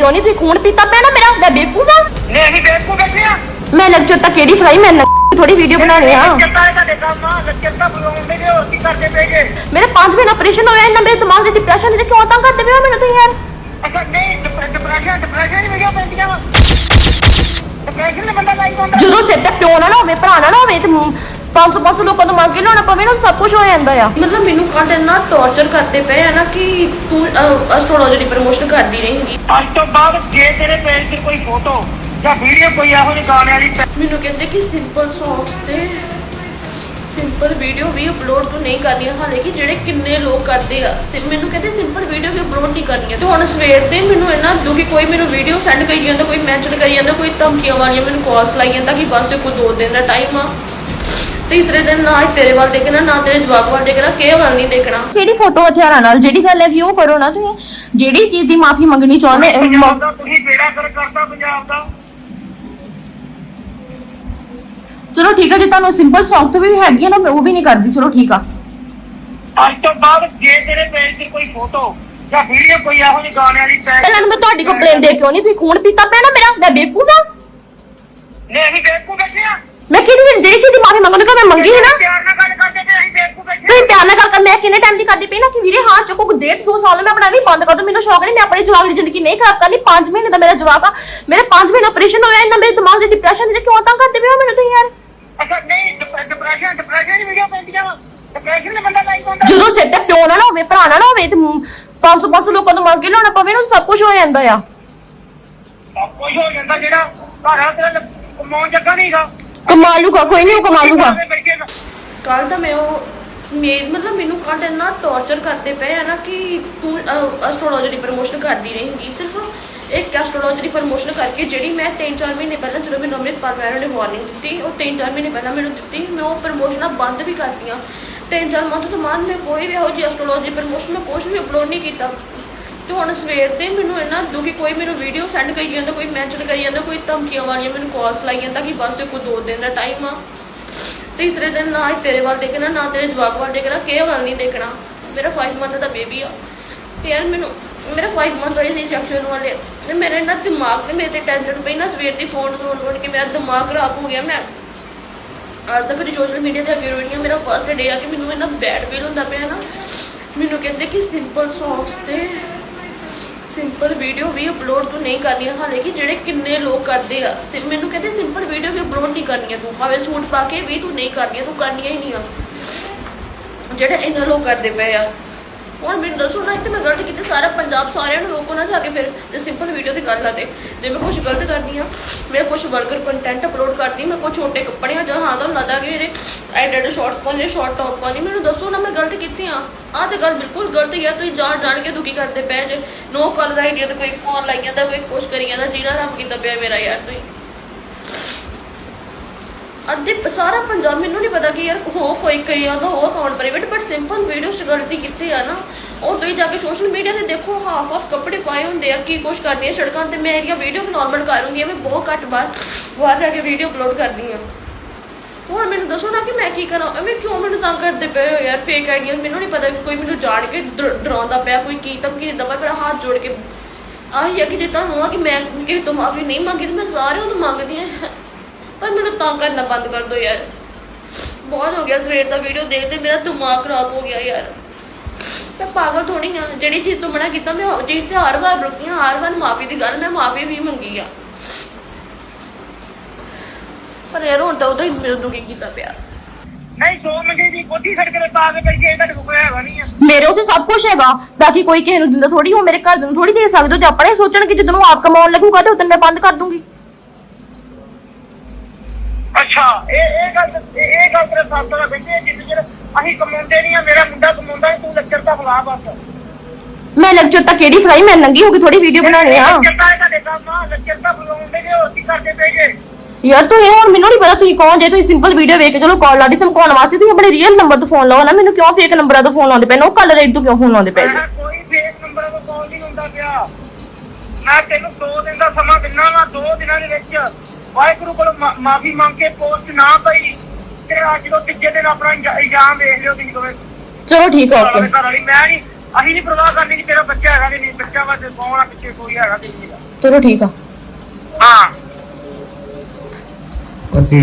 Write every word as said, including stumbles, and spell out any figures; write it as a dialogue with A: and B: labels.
A: क्यों नहीं? तुम खून पीता पे ना मेरा, मैं बेवकूफ हां?
B: नहीं नहीं बेवकूफ बैठे हैं।
A: मैं लेक्चर तक केड़ी फ्राई मैं थोड़ी वीडियो बनानी हां।
B: लेक्चर का देखा मां लेक्चर का बुलाਉਂਦੇ ਨੇ ਹੋਰ ਕੀ ਕਰਦੇ ਪਏਗੇ।
A: मेरे पांच महीने ऑपरेशन होया इतना मेरे दिमाग में डिप्रेशन है क्यों तंग करते पे हो मैंने तो यार।
B: अच्छा नहीं डिप्रेशन डिप्रेशन नहीं हो पैंਦੀਆਂ ਵਾ। डिप्रेशन में बंदा लाइक ਹੁੰਦਾ।
A: ਜਦੋਂ ਸਿਰ ਤੇ ਪਿਓ ਨਾ ਹੋਵੇ ਭਰਾ ਨਾ ਹੋਵੇ ਤੇ पाँच सौ पाँच सौ लोगों ਤੋਂ ਮੰਗ ਕੇ ਲਾਉਣਾ ਪਵੇ ਨਾ ਸਭ ਕੁਝ ਹੋ ਜਾਂਦਾ ਆ।
C: मतलब ਮੈਨੂੰ ਕੱਲ ਇੰਨਾ ਟੌਰਚਰ ਕਰਦੇ ਪਏ ਹੈ ਨਾ ਕਿ ਤੂੰ ਐਸਟ੍ਰੋਲੋਜੀ ਦੀ ਪ੍ਰਮੋਸ਼ਨ ਕਰਦੀ ਰਹੇਂਗੀ।
B: ਅੱਜ ਤੋਂ ਬਾਅਦ ਜੇ ਤੇਰੇ ਪੇਜ ਤੇ ਕੋਈ ਫੋਟੋ ਜਾਂ ਵੀਡੀਓ ਕੋਈ ਇਹੋ ਜਿਹੀ ਗਾਣੇ ਵਾਲੀ
C: ਮੈਨੂੰ ਕਹਿੰਦੇ ਕਿ ਸਿੰਪਲ ਸੌਂਗਸ ਤੇ ਸਿੰਪਲ ਵੀਡੀਓ ਵੀ ਅਪਲੋਡ ਤੂੰ ਨਹੀਂ ਕਰਨੀਆਂ ਹਾਲੇ ਕਿ ਜਿਹੜੇ ਕਿੰਨੇ ਲੋਕ ਕਰਦੇ ਆ ਮੈਨੂੰ ਕਹਿੰਦੇ ਸਿੰਪਲ ਵੀਡੀਓ ਵੀ ਅਪਲੋਡ ਨਹੀਂ ਕਰਨੀਆਂ ਤੇ ਹੁਣ ਸਵੇਰ ਦੇ ਮੈਨੂੰ ਇੰਨਾ ਦੁਖੀ ਕੋਈ ਮੈਨੂੰ ਵੀਡੀਓ ਸੈਂਡ ਕਰੀ ਜਾਂਦਾ ਕੋਈ ਮੈਂਸ਼ਨ ਕਰੀ ਜਾਂਦਾ ਕੋਈ ਧਮਕੀਆਂ ਵਾਲੀਆਂ ਮੈਨੂੰ ਕਾਲਸ ਲਾਈ ਜਾਂਦਾ ਕਿ ਬਸ ਕੋਈ ਦੋ ਦਿਨ ਦਾ ਟਾਈਮ ਆ तीसरे दिन ना तेरे वाल देखना ना तेरे जवाब वाल देखना के वाल नहीं देखना
A: केड़ी फोटो हथियारां नाल जेडी गल है भी ओ करो ना तुसीं जेडी चीज दी माफी मंगनी चाहंदे
B: ਤੁਸੀਂ ਬੇੜਾ ਕਰ ਕਰਦਾ ਪੰਜਾਬ ਦਾ।
A: चलो ठीक है जे ਤੁਹਾਨੂੰ ਸਿੰਪਲ ਸੌਂਗ ਤੇ ਵੀ ਹੈਗੀ ਨਾ ਮੈਂ ਉਹ ਵੀ ਨਹੀਂ ਕਰਦੀ ਚਲੋ ਠੀਕ ਆ।
B: ਅੱਜ ਤੋਂ ਬਾਅਦ ਜੇ ਤੇਰੇ ਪੇਜ ਤੇ ਕੋਈ ਫੋਟੋ ਜਾਂ ਵੀਡੀਓ ਕੋਈ ਇਹੋ ਜਿਹੀ ਗਾਣੇ ਵਾਲੀ
A: ਪਹਿਲਾਂ ਮੈਂ ਤੁਹਾਡੀ ਕੰਪਲੇਨ ਦੇ ਕਿਉਂ ਨਹੀਂ ਤੁਸੀਂ ਖੂਨ ਪੀਤਾ ਪਿਆ ਨਾ ਮੇਰਾ ਮੈਂ ਬੇਵਕੂਫ ਹਾਂ?
B: ਨਹੀਂ ਅਸੀਂ ਬੇਵਕੂਫ ਬੈਠੇ ਆ।
A: मैं किसी दिन जेडी चीज दी माफी मंगने का मैं मंगी है ना
B: ਪਿਆਰ ਨਾਲ ਗੱਲ ਕਰਦੇ ਤੇ ਅਸੀਂ ਬੇਵਕੂਫ ਬੈਠੇ।
A: ਤੁਸੀਂ ਪਿਆਰ ਨਾਲ ਗੱਲ ਕਰ ਮੈਂ ਕਿੰਨੇ ਟਾਈਮ ਦੀ ਕਰਦੀ ਪਈ ਨਾ ਕਿ ਵੀਰੇ ਹਾਂ ਚੁੱਕੋ ਕੋ ਡੇਢ ਦੋ ਸਾਲ ਮੈਂ ਆਪਣਾ ਵੀ ਬੰਦ ਕਰ ਦੋ ਮੈਨੂੰ ਸ਼ੌਕ ਨਹੀਂ ਮੈਂ ਆਪਣੀ ਜਵਾਕ ਦੀ ਜ਼ਿੰਦਗੀ ਨਹੀਂ ਖਰਾਬ ਕਰਨੀ। ਪਾँच ਮਹੀਨੇ ਦਾ ਮੇਰਾ ਜਵਾਕ ਆ ਮੇਰੇ पाँच ਮਹੀਨੇ ਆਪਰੇਸ਼ਨ ਹੋਇਆ ਇੰਨਾ ਮੇਰੇ ਦਿਮਾਗ ਦੇ ਡਿਪਰੈਸ਼ਨ ਦੇ ਕਿਉਂ ਤੰਗ ਕਰਦੇ ਪਏ ਹੋ ਮੈਨੂੰ ਤੁਸੀਂ ਯਾਰ।
B: ਅੱਛਾ ਨਹੀਂ ਡਿਪਰੈਸ਼ਨ ਡਿਪਰੈਸ਼ਨ ਦੀ ਵੀਡੀਓ ਪੈਂਦੀਆਂ ਵਾ। ਡਿਪਰੈਸ਼ਨ ਦੇ ਬੰਦਾ ਲਾਈਕ ਹੁੰਦਾ
A: ਜਦੋਂ ਸਿਰ ਤੇ ਪਿਓ ਨਾ ਹੋਵੇ ਭਰਾ ਨਾ ਹੋਵੇ ਤੇ पाँच सौ पाँच सौ ਲੋਕਾਂ ਤੋਂ ਮੰਗ ਕੇ ਲਾਉਣਾ ਪਵੇ ਨਾ ਸਭ ਕੁਝ ਹੋ ਜਾਂਦਾ ਆ।
B: ਸਭ ਕੁਝ ਹੋ ਜਾਂਦਾ ਜਿਹੜਾ ਘਰ ਆ ਤੇਰਾ ਕਮਾਉਣ ਜੱਗਾ ਨਹੀਂਗਾ।
A: ਕਮਾ ਲੂਗਾ ਕੋਈ ਨਹੀਂ ਉਹ ਕਮਾ ਲੂਗਾ।
C: ਕੱਲ ਤਾਂ ਮੈਂ ਉਹ ਮੇਰ ਮਤਲਬ ਮੈਨੂੰ ਕੱਲ ਇੰਨਾ ਟੌਰਚਰ ਕਰਦੇ ਪਏ ਹੈ ਨਾ ਕਿ ਤੂੰ ਐਸਟ੍ਰੋਲੋਜੀ ਦੀ ਪ੍ਰਮੋਸ਼ਨ ਕਰਦੀ ਰਹੇਂਗੀ ਸਿਰਫ ਇੱਕ ਐਸਟ੍ਰੋਲੋਜੀ ਦੀ ਪ੍ਰਮੋਸ਼ਨ ਕਰਕੇ ਜਿਹੜੀ ਮੈਂ ਤਿੰਨ ਚਾਰ ਮਹੀਨੇ ਪਹਿਲਾਂ ਜਦੋਂ ਮੈਨੂੰ ਅੰਮ੍ਰਿਤਪਾਲ ਮੈਡਮ ਨੇ ਵਾਰਨਿੰਗ ਦਿੱਤੀ ਉਹ ਤਿੰਨ ਚਾਰ ਮਹੀਨੇ ਪਹਿਲਾਂ ਮੈਨੂੰ ਦਿੱਤੀ ਮੈਂ ਉਹ ਪ੍ਰਮੋਸ਼ਨਾਂ ਬੰਦ ਵੀ ਕਰਤੀਆਂ। ਤਿੰਨ ਚਾਰ ਮੰਥ ਤੋਂ ਬਾਅਦ ਮੈਂ ਕੋਈ ਵੀ ਇਹੋ ਜਿਹੀ ਐਸਟ੍ਰੋਲੋਜੀ ਪ੍ਰਮੋਸ਼ਨ ਮੈਂ ਕੁਛ ਵੀ ਅਪਲੋਡ ਨਹੀਂ ਕੀਤਾ ਤੇ ਹੁਣ ਸਵੇਰ ਦੇ ਮੈਨੂੰ ਇੰਨਾ ਦੁਖੀ ਕੋਈ ਮੈਨੂੰ ਵੀਡੀਓ ਸੈਂਡ ਕਰੀ ਜਾਂਦਾ ਕੋਈ ਮੈਂਸ਼ਨ ਕਰੀ ਜਾਂਦਾ ਕੋਈ ਧਮਕੀਆਂ ਵਾਲੀਆਂ ਮੈਨੂੰ ਕਾਲਸ ਲਾਈ ਜਾਂਦਾ ਕਿ ਬਸ ਕੋਈ ਦੋ ਦਿਨ ਦਾ ਟਾਈਮ ਆ तीसरे दिन ना तेरे वाल देखना ना तेरे जवाब वाल देखना के वाल नहीं देखना मेरा फाइव मंथ का बेबी आ ते यार मैनू मेरा फाइव मंथ होए सी सैक्शन वाले मेरे ना दिमाग ते मेरे टेंशन पई ना सवेर दी फोन फोन फोन के मेरा दिमाग खराब हो गया। मैं आज तक कभी सोशल मीडिया से अगे रोई मेरा फर्स्ट डे आ कि मैनू इन्ना बैड फील होंदा पिया ना मैनू कहंदे कि सिंपल सॉन्ग्स ते ਸਿੰਪਲ ਵੀਡੀਓ ਵੀ ਅਪਲੋਡ ਤੂੰ ਨਹੀਂ ਕਰਨੀਆਂ ਹਾਲੇ ਕਿ ਜਿਹੜੇ ਕਿੰਨੇ ਲੋਕ ਕਰਦੇ ਆ ਮੈਨੂੰ ਕਹਿੰਦੇ ਸਿੰਪਲ ਵੀਡੀਓ ਵੀ ਅਪਲੋਡ ਨਹੀਂ ਕਰਨੀਆਂ ਤੂੰ ਭਾਵੇਂ ਸੂਟ ਪਾ ਕੇ ਵੀ ਤੂੰ ਨਹੀਂ ਕਰਨੀਆਂ ਤੂੰ ਕਰਨੀਆਂ ਹੀ ਨਹੀਂ ਆ ਜਿਹੜੇ ਇੰਨੇ ਲੋਕ ਕਰਦੇ ਪਏ ਆ। ਹੁਣ ਮੈਨੂੰ ਦੱਸੋ ਨਾ ਕਿ ਮੈਂ ਗਲਤ ਕੀਤੀ ਸਾਰਾ ਪੰਜਾਬ ਸਾਰਿਆਂ ਨੂੰ ਰੋਕੋ ਨਾ ਜਾ ਕੇ ਫਿਰ ਜੇ ਸਿੰਪਲ ਵੀਡੀਓ ਦੀ ਗੱਲ ਆ ਤੇ ਜੇ ਮੈਂ ਕੁਛ ਗਲਤ ਕਰਦੀ ਆ ਮੈਂ ਕੁਛ ਵਲਗਰ ਕੰਟੈਂਟ ਅਪਲੋਡ ਕਰਦੀ ਮੈਂ ਕੁਛ ਛੋਟੇ ਕੱਪੜਿਆਂ ਜਾਂ ਹਾਂ ਤੁਹਾਨੂੰ ਲੱਗਦਾ ਕਿ ਮੇਰੇ ਐਡਿਟ ਸ਼ਾਰਟਸ ਪਾਉਣੇ ਸ਼ਾਰਟ ਟੌਪ ਪਾਉਣੀ ਮੈਨੂੰ ਦੱਸੋ ਨਾ ਮੈਂ ਗਲਤ ਕੀਤੀ ਆ। ਆਹ ਤੇ ਗੱਲ ਬਿਲਕੁਲ ਗਲਤ ਯਾਰ ਤੁਸੀਂ ਜਾਣ ਜਾਣ ਕੇ ਦੁਖੀ ਕਰਦੇ ਪਏ ਜੇ ਨੋ ਕਲਰ ਆਈਡੀਆ ਤੇ ਕੋਈ ਫੋਨ ਲਾਈ ਜਾਂਦਾ ਕੋਈ ਕੁਛ ਕਰੀ ਜਾਂਦਾ ਜਿਹਦਾ ਰੱਬ ਕੀਤਾ ਪਿਆ ਮੇਰਾ ਯਾਰ ਤੁਸੀਂ ਅੱਧੇ ਸਾਰਾ ਪੰਜਾਬ ਮੈਨੂੰ ਨਹੀਂ ਪਤਾ ਕਿ ਯਾਰ ਹੋ ਕੋਈ ਕਈ ਉਹਦਾ ਹੋ account private but simple video 'ਚ ਗਲਤੀ ਕੀਤੀ ਆ ਨਾ ਔਰ ਤੁਸੀਂ ਜਾ ਕੇ ਸੋਸ਼ਲ ਮੀਡੀਆ ਤੇ ਦੇਖੋ ਹਾਫ ਹਾਫ ਕੱਪੜੇ ਪਾਏ ਹੁੰਦੇ ਆ ਕੀ ਕੁਛ ਕਰਦੀ ਆ ਸੜਕਾਂ ਤੇ ਮੈਂ ਇਹਦੀਆਂ ਵੀਡੀਓ ਨੋਰਮਲ ਕਰੂੰਗੀ ਮੈਂ ਬਹੁਤ ਘੱਟ ਬਾਰ ਬਾਹਰ ਜਾ ਕੇ ਵੀਡੀਓ ਅਪਲੋਡ ਕਰਦੀ ਆ। ਹੁਣ ਮੈਨੂੰ ਦੱਸੋ ਨਾ ਕਿ ਮੈਂ ਕੀ ਕਰਾਂ ਐਵੇਂ ਕਿਉਂ ਮੈਨੂੰ ਤੰਗ ਕਰਦੇ ਪਏ ਹੋ ਯਾਰ ਫੇਕ ਆਈਡੀਆ ਮੈਨੂੰ ਨਹੀਂ ਪਤਾ ਕੋਈ ਮੈਨੂੰ ਜਾਣ ਕੇ ਡਰਾਉਂਦਾ ਪਿਆ ਕੋਈ ਕੀ ਧਮਕੀ ਦਿੰਦਾ ਪਿਆ ਮੇਰਾ ਹੱਥ ਜੋੜ ਕੇ ਆਹੀ ਆ ਕਿ ਜੇ ਤੁਹਾਨੂੰ ਆ ਕਿ ਮੈਂ ਕਿਸੇ ਤੋਂ ਮਾਫੀ ਨਹੀਂ ਮੰਗੀ ਤੇ ਮੈਂ ਸਾਰਿਆਂ ਤੋਂ ਮੰਗਦੀ ਹਾਂ ਪਰ ਮੈਨੂੰ ਤੰਗ ਕਰਨਾ ਬੰਦ ਕਰ ਦਿਓ ਯਾਰ ਬਹੁਤ ਹੋ ਗਿਆ ਸਵੇਰ ਦਾ ਵੀਡੀਓ ਦੇਖਦੇ ਮੇਰਾ ਦਿਮਾਗ ਖਰਾਬ ਹੋ ਗਿਆ ਯਾਰ। ਮੈਂ ਪਾਗਲ ਥੋੜੀ ਆ ਜਿਹੜੀ ਚੀਜ਼ ਤੋਂ ਮਨਾ ਕੀਤਾ ਮੈਂ ਉਹ ਚੀਜ਼ ਤੇ ਹਰ ਵਾਰ ਰੁਕੀ ਹਾਂ ਹਰ ਵਾਰ ਮਾਫੀ ਦੀ ਗੱਲ ਮੈਂ ਮਾਫੀ ਵੀ ਮੰਗੀ ਆ ਪਰ ਯਾਰ ਹੁਣ ਤਾਂ ਉਹਦਾ ਹੀ ਮੇਰੇ ਦੁਖੀ ਕੀਤਾ ਪਿਆ।
B: ਨਹੀਂ ਸੋ ਮੰਗੇ ਦੀ ਕੋਠੀ ਸੜਕ ਤੇ ਪਾ ਕੇ ਬੈਠੇ ਇਹਦਾ ਕੋਈ ਹੈਗਾ ਨਹੀਂ ਆ
A: ਮੇਰੇ ਉਸੇ ਸਭ ਕੁਝ ਹੈਗਾ ਬਾਕੀ ਕੋਈ ਕਿਸੇ ਨੂੰ ਦਿੰਦਾ ਥੋੜੀ ਹੋ ਮੇਰੇ ਘਰ ਨੂੰ ਥੋੜੀ ਦੇ ਸਕਦੇ ਹੋ ਤੇ ਆਪਣੇ ਸੋਚਣ ਕਿ ਜਦੋਂ ਆਪ ਕਮਾਉਣ ਲੱਗੂਗਾ ਤੇ ਉਦੋਂ ਮੈਂ ਬੰਦ ਕਰ ਦੂੰਗੀ।
B: ਅੱਛਾ ਇਹ ਇਹ ਗੱਲ ਇਹ ਗੱਲ ਤੇਰੇ ਸਾਥ ਨਾਲ ਬੈਠੇ ਜਿੰਨੇ ਚਿਰ ਅਸੀਂ ਕਮਾਉਂਦੇ ਨਹੀਂ ਆ ਮੇਰਾ ਮੁੰਡਾ ਕਮਾਉਂਦਾ ਤੂੰ ਲੈਕਚਰ ਤਾਂ ਬੁਲਾ ਬਸ
A: ਮੈਂ ਲੈਕਚਰ ਤਾਂ ਕਿਹੜੀ ਫਰਾਈ ਮੈਂ ਨੰਗੀ ਹੋ ਕੇ ਥੋੜੀ ਵੀਡੀਓ ਬਣਾਣੀ ਆ।
B: ਲੈਕਚਰ ਤਾਂ ਤੁਹਾਡੇ ਕੰਮ ਲੈਕਚਰ ਤਾਂ ਬੁਲਾਉਂਦੇ ਨੇ ਹੋਰ ਕੀ ਕਰਦੇ ਪਏਗੇ
A: ਯਾਰ ਤੂੰ ਇਹ ਹੁਣ ਮੈਨੂੰ ਨਹੀਂ ਪਤਾ ਤੁਸੀਂ ਕੌਣ ਜੇ ਤੁਸੀਂ ਸਿੰਪਲ ਵੀਡੀਓ ਵੇਖ ਕੇ ਚਲੋ ਕਾਲ ਲਾਦੀ ਧਮਕਾਉਣ ਵਾਸਤੇ ਤੁਸੀਂ ਆਪਣੇ ਰੀਅਲ ਨੰਬਰ ਤੋਂ ਫੋਨ ਲਾਓ ਨਾ ਮੈਨੂੰ ਕਿਉਂ ਫੇਕ ਨੰਬਰਾਂ ਤੋਂ ਫੋਨ ਲਾਉਂਦੇ ਪਏ ਨੇ ਉਹ ਕਲਰ ਰੇਟ ਤੋਂ ਕਿਉਂ ਫੋਨ ਲਾਉਂਦੇ ਪਏ
B: ਕੋਈ ਫੇਕ ਨੰਬਰਾਂ ਤੋਂ ਕਾਲ ਨਹੀਂ ਹੁੰਦਾ ਪਿਆ ਮੈਂ ਤੈਨੂੰ ਦੋ ਦਿਨ ਦਾ ਸਮਾਂ ਦਿੰਦਾ ਵਾ ਦੋ ਦਿਨਾਂ ਦੇ ਵਿੱਚ ਵਾਹਿਗੁਰੂ ਕੋਲ ਮਾਫੀ ਮੰਗ ਕੇ ਪੋਸਟ ਨਾ ਪਈ ਤੇ ਅੱਜ ਤੋਂ ਤੀਜੇ ਦਿਨ ਆਪਣਾ ਇਲਜ਼ਾਮ ਵੇਖ ਲਿਓ ਤੁਸੀਂ ਦੋਵੇਂ।
A: ਚਲੋ ਠੀਕ ਹੈ ਓਕੇ
B: ਘਰ ਵਾਲੀ ਮੈਂ ਨਹੀਂ ਅਸੀਂ ਨਹੀਂ ਪਰਵਾਹ ਕਰਨੀ ਕਿ ਤੇਰਾ ਬੱਚਾ ਹੈਗਾ ਕਿ ਨਹੀਂ ਬੱਚਾ ਵਾ ਤੇ ਕੌਣ ਆ ਪਿੱਛੇ ਕੋਈ ਹੈਗਾ ਕਿ ਨਹੀਂ ਹੈਗਾ
A: ਚਲੋ ਠੀਕ ਆ
B: ਹਾਂ
D: ਉਹ